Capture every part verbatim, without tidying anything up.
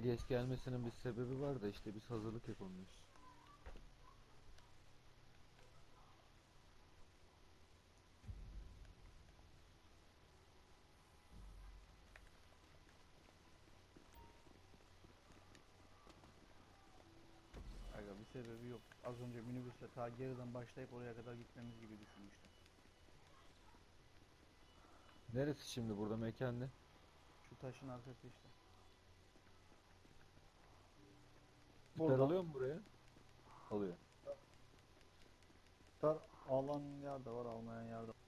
geç gelmesinin bir sebebi var da işte biz hazırlık yapamıyoruz. Aga bir sebebi yok. Az önce minibüsle ta geriden başlayıp oraya kadar gitmemiz gibi düşünmüştüm. Neresi şimdi burada mekan ne? Şu taşın arkası işte. Siper Burada alıyor mu buraya? Alıyor. dar alan yer de var, almayan yer de var.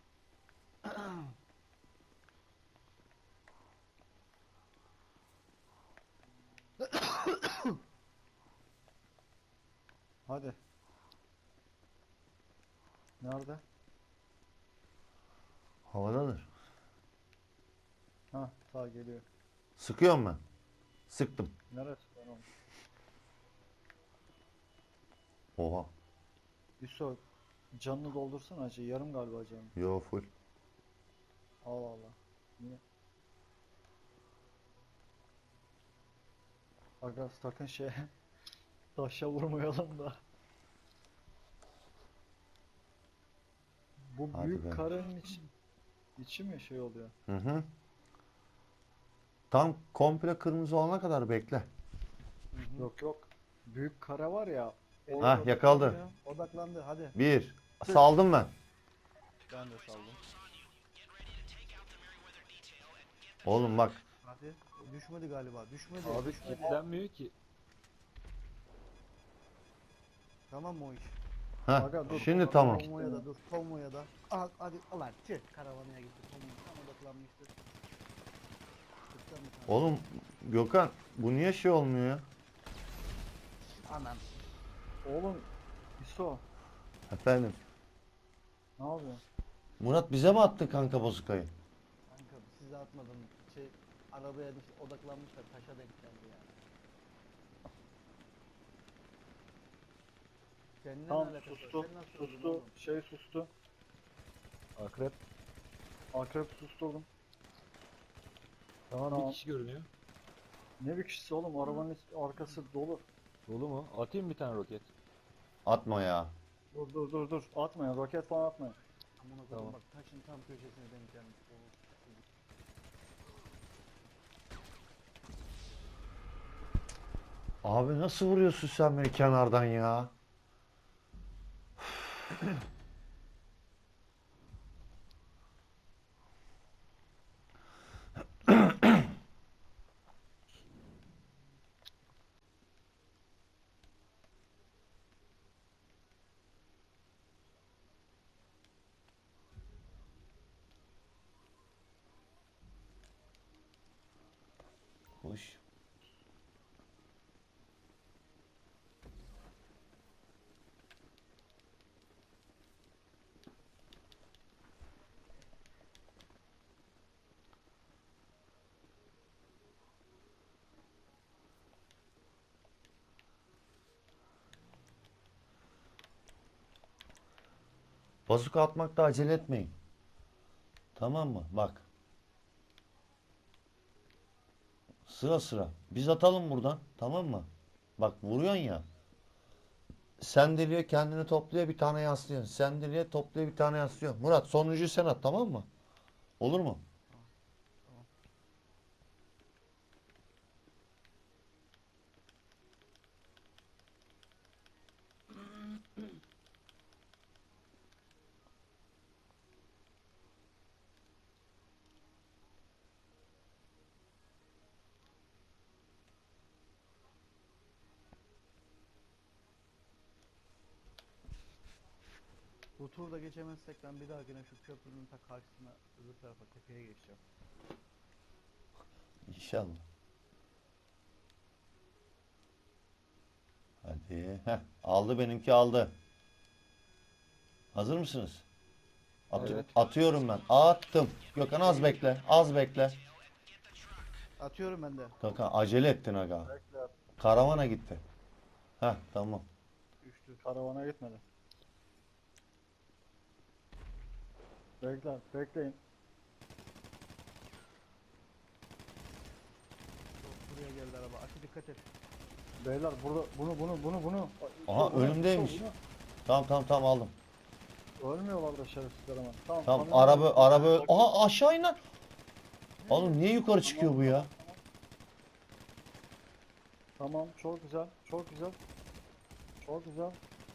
Hadi. Nerede? Havadadır. Ha, ta geliyor. Sıkıyorum ben. Sıktım. Neresi ben oğlum? Oha. Yusuf, canını doldursana acı. Yarım galiba canım. Yo full. Allah Allah. Niye? Aga sakın şey taşa vurmayalım da. Bu Hadi büyük be. karenin içi, içi mi şey oluyor? Hı hı. Tam komple kırmızı olana kadar bekle. Yok yok. Büyük kare var ya. o- Hah, yakaladı. odaklanıyor. Odaklandı hadi. Bir. Saldım ben. Ben de saldım. Oğlum bak. Hadi. Düşmedi galiba. Düşmedi. Abi düşmedi. kilitlenmiyor ki. Tamam mı o iş? Heh. Aga dur. Şimdi tamam. Konvoya da dur. Konvoya da. Al hadi. Ulan çık. Karavanaya gitti. Konvoya tam odaklanmıştı. Tıktan bir tane. Oğlum Gökhan bu niye şey olmuyor ya? Anam. Oğlum. İso. Efendim. Ne yapıyorsun? Murat bize mi attı kanka bozukayı? Kanka size atmadım. Şey arabaya düş odaklanmışlar. Taşa denk geldi yani. Seninle Tamam ne alakası var? sustu, Sen nasıl öldün sustu, oğlum? şey sustu. Akrep. Akrep susturdum. Tamam, Tamam. bir kişi görünüyor. Ne bir kişisi oğlum, arabanın is- arkası dolu. Dolu mu? Atayım bir tane roket. Atma ya. Dur dur dur dur, atmayın, roket falan atmayın. Amına koydum Tamam. bak taşın tam köşesine denk gelmiş. Oğlum, Abi nasıl vuruyorsun sen beni kenardan ya? Hoş. Bazuka atmakta acele etmeyin. Tamam mı? Bak. Sıra sıra. Biz atalım buradan. Tamam mı? Bak vuruyorsun ya. Sendeliyor kendini topluyor bir tane yaslıyor. Sendeliyor topluyor bir tane yaslıyor. Murat sonuncuyu sen at tamam mı? Olur mu? tamam. Bu turda geçemezsek ben bir dahakine şu köprünün ta karşısına öbür tarafa tepeye geçeceğim. İnşallah. Hadi. Heh, aldı benimki aldı. Hazır mısınız? Atı- Evet. Atıyorum ben. Attım. Gökhan az bekle. Az bekle. Atıyorum ben de. Gökhan acele ettin aga. Bekle, Karavana gitti. Heh tamam. Düştü. karavana gitmedi. Bekle, bekleyin. buraya geldi araba. Açı dikkat et. Beyler burada bunu bunu bunu bunu. Aha, Bunu, önümdeymiş. bunu. Tamam tamam tamam aldım. Ölmüyorlar da şerefsizler ama. Tamam. Tamam kamyon- araba araba. Aha aşağı iner. Oğlum niye yukarı çıkıyor bu ya? Tamam çok güzel. Çok güzel. Çok güzel.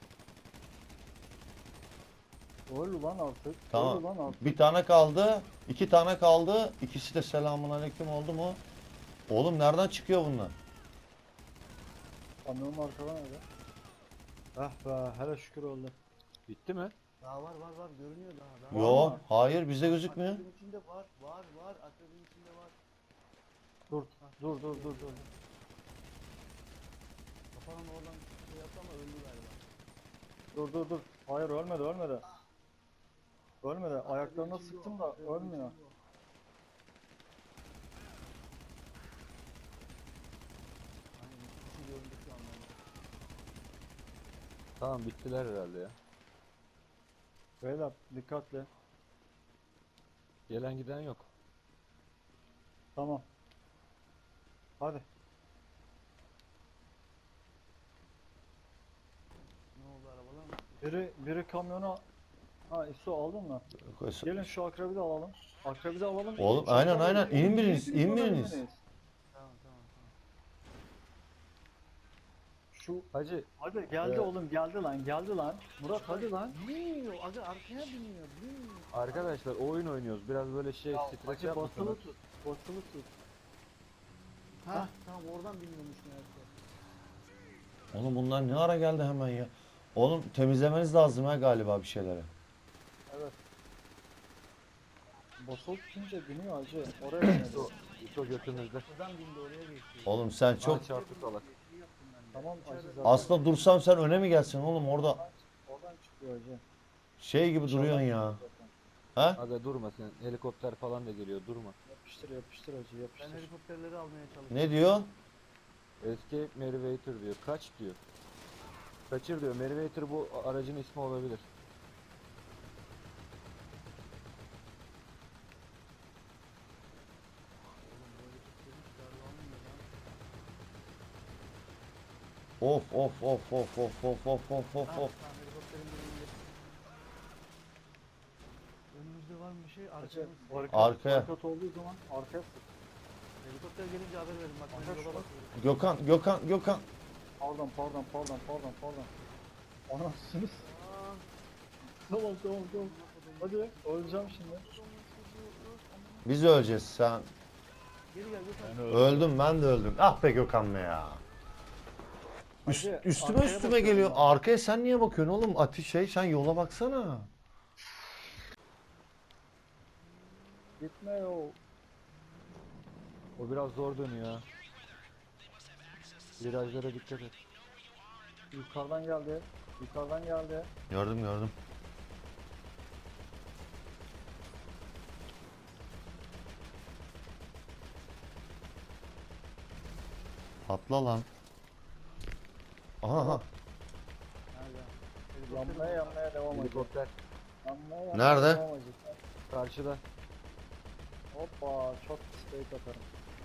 Öl lan artık. Tamam. Öl lan artık. Bir tane kaldı. iki tane kaldı. İkisi de selamun aleyküm oldu mu? Oğlum nereden çıkıyor bunlar? Kamyonun arkadan öyle. Eh be hele şükür öldü. Bitti mi? Daha var var var görünüyor daha. daha. Yo, mı? hayır bize gözükmüyor. Akrebin içinde var var var. Akrebin içinde var. Dur dur dur dur dur. Kafanın oradan şey yaptı ama öldü galiba. Dur dur dur. Hayır ölmedi ölmedi. Ölmedi. Ayaklarına Akrebin içinde sıktım o, da akrebin ölmüyor. içinde o. Aynen ikisi göründü şu anda. Tamam bittiler herhalde ya. Beyler dikkatli. Gelen giden yok. Tamam. Hadi. Ne oldu arabalar mı? Biri biri kamyona. Ha İso aldın mı? Gelin şu akrebi de alalım. Akrebi de alalım. Oğlum, Şu aynen, akrebi- aynen. İn biriniz, Hepiniz in oraya biriniz. inmeniz. Tamam tamam tamam. Şu Hacı hadi geldi Evet. oğlum geldi lan geldi lan. Murat hadi lan. Binmiyor. Aga arkaya biniyor. Binmiyor. arkadaşlar oyun oynuyoruz. Biraz böyle şey Ya, stres hacı yapmasanız. basılı tut. Basılı tut. Ha tamam oradan biniyormuş meğerse. Oğlum bunlar ne ara geldi hemen ya? Oğlum temizlemeniz lazım ha galiba bir şeyleri. Evet. Basılı tutunca biniyor hacı. Oraya binedi. İso götümüzde. Buradan bindi oraya geçti. Oğlum sen Çok çok... çarptı salak. İyi yaptım ben de. Tamam hacı İçeride- zaten. Aslında dursam sen öne mi gelsin oğlum orada Oradan çıkıyor hacı. şey gibi duruyorsun ya. Zaten. Ha? Aga durma sen. Helikopter falan da geliyor. Durma. Yapıştır yapıştır hacı Ben yapıştır. helikopterleri almaya çalıştım. Ne diyor? Escape Merivator diyor. Kaç diyor. Kaçır diyor. Merivator bu aracın ismi olabilir. Oğlum bu helikopterin çıkarı almıyor lan. Of of of of of of of of of Ha, of. tamam helikopterin biri indi. Önümüzde var mı bir şey? Hacı Arkamız. barikat, Arkaya. barikat olduğu zaman arkaya sık. Helikopter gelince haber verin bak ben Arkadaş yola bak. bakıyorum. Gökhan, Gökhan, Gökhan. Pardon pardon pardon pardon pardon. Anasınız. Aa, Tamam tamam tamam. Hadi öleceğim şimdi. Biz öleceğiz sen. Geri gel Gökhan. Öldüm ben de öldüm. Ah be Gökhan be ya. Üst, Hacı, üstüme arkaya üstüme bakıyorum geliyor. ben. Arkaya sen niye bakıyorsun oğlum? Ati şey sen yola baksana. Gitme yo. O biraz zor dönüyor ha. Virajlara dikkat et. Yukarıdan geldi. Yukarıdan geldi. Gördüm gördüm. Atla lan. Aha, aha. Nerede? Yanmaya yanmaya devam edecek. Helikopter Yanmaya yanmaya Nerede? devam edecek. karşıda. Hoppa çok steak atarım.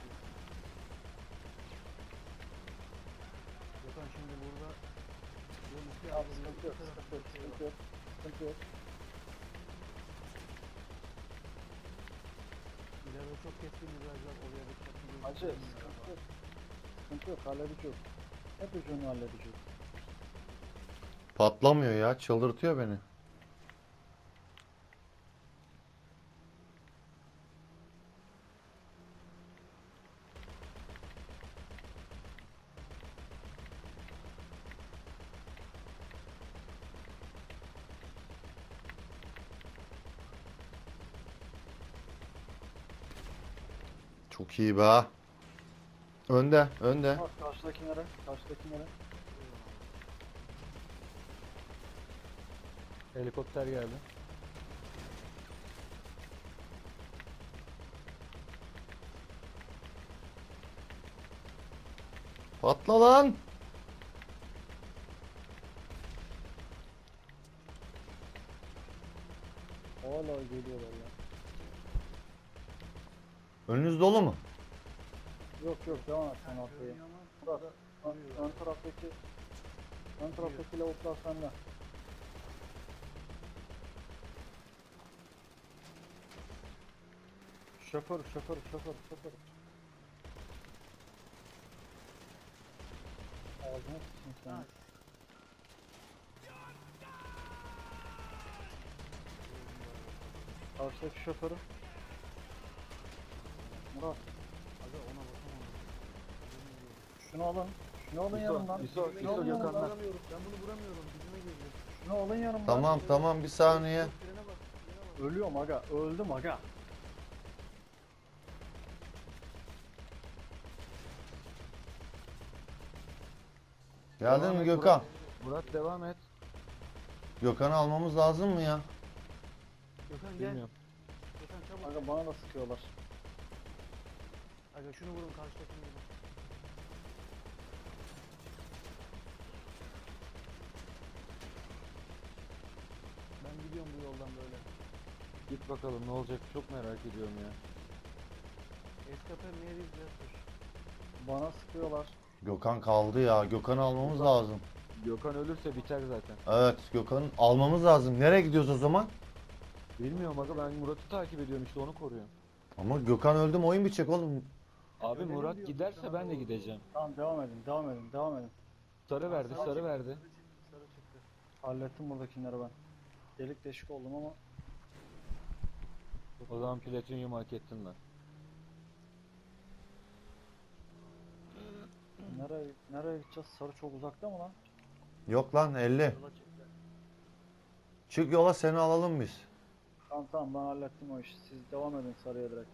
Gökhan şimdi burada yol üstü Ya yazılı sıkıntı yok bir taraf sıkıntı yok bir şey sıkıntı var. yok. Sıkıntı yok. İleride çok keskin virajlar oraya da çarpıyor. Hacı sıkıntı yok. Sıkıntı yok halledeceğiz. Hep ucunu halledeceğiz. Patlamıyor ya. Çıldırtıyor beni. Çok iyi be. Önde, önde. Bak karşıdakilere, karşıdakilere. Helikopter geldi. Patla lan. Hala geliyorlar ya. Önünüz dolu mu? Yok yok devam et sen arkaya. Görünüyor ama Bak, burada Ön, duruyor. ön taraftaki ön taraftaki lavuklar sende. Şoför, şoför, şoför, şoför. Ağzına sıçın sen. Ha, Karşıdaki şoförü. Murat, Aga ona bakamadım. şunu alın. Şunu alın İso, yanımdan. İso, Şunu İso alın Gökhan'dan. yanımdan. Vuramıyorum. Ben bunu vuramıyorum. Dibime girdi. Şunu alın yanımdan. Tamam tamam bir saniye. Frene bak. Frene bak. Ölüyorum aga, öldüm aga. Geldin Devam mi et Gökhan? Murat devam et. Gökhan'ı almamız lazım mı ya? Gökhan gel. Bilmiyorum. Gökhan çabuk. Aga bana da sıkıyorlar. Aga şunu vurun karşıdakini vurun. Ben gidiyorum bu yoldan böyle. Git bakalım ne olacak çok merak ediyorum ya. Escape Mary's Jasper. Bana sıkıyorlar. Gökhan kaldı ya. Gökhan'ı almamız lazım. Gökhan ölürse biter zaten. Evet Gökhan'ı almamız lazım. Nereye gidiyoruz o zaman? Bilmiyorum aga ben Murat'ı takip ediyorum işte onu koruyorum. Ama Gökhan öldü mü oyun bitecek oğlum. Abi Öyle Murat mi diyor? giderse Gökhan ben de doğru. gideceğim. Tamam devam edin, devam edin, devam edin. Sarı verdi Sarı sarı çıktı, verdi. Sarı çıktı. Sarı çıktı. Hallettim buradakileri ben. Delik deşik oldum ama O zaman platinyum hak ettin lan. nereye nereye gideceğiz? Sarı çok uzakta mı lan? Yok lan elli. Yola çıktı. Çık yola seni alalım biz. Tamam tamam ben hallettim o işi. Siz devam edin sarıya direkt.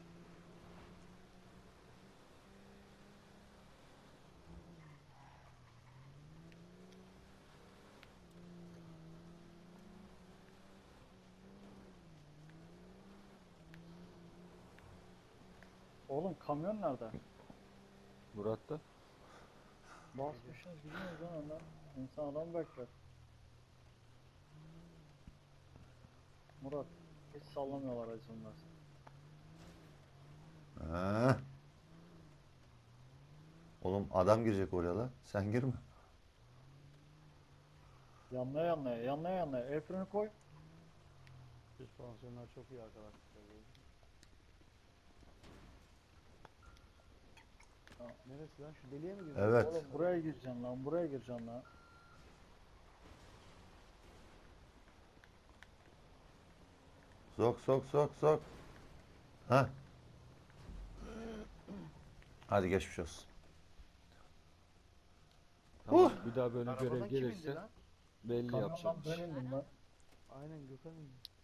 Oğlum kamyon nerede? Murat'ta. Basmışsınız gidiyoruz lan önden. İnsan adam bekler. Murat hiç sallamıyorlar acımlar. He. Oğlum adam girecek oraya la. Sen girme. Yanlaya yanlaya yanlaya yanlaya. El freni koy. Süspansiyonlar çok iyi arkadaşlar. Tamam. Neresi lan? Şu deliğe mi girdin? Evet. Oğlum buraya gireceksin lan buraya gireceksin lan. Sok sok sok sok. Ha. Hadi geçmiş olsun. Tamam, bir daha böyle Arabadan görev kim indi gelirse lan? belli Kamyondan yapacağım. ben indim ben. Aynen Gökhan indi.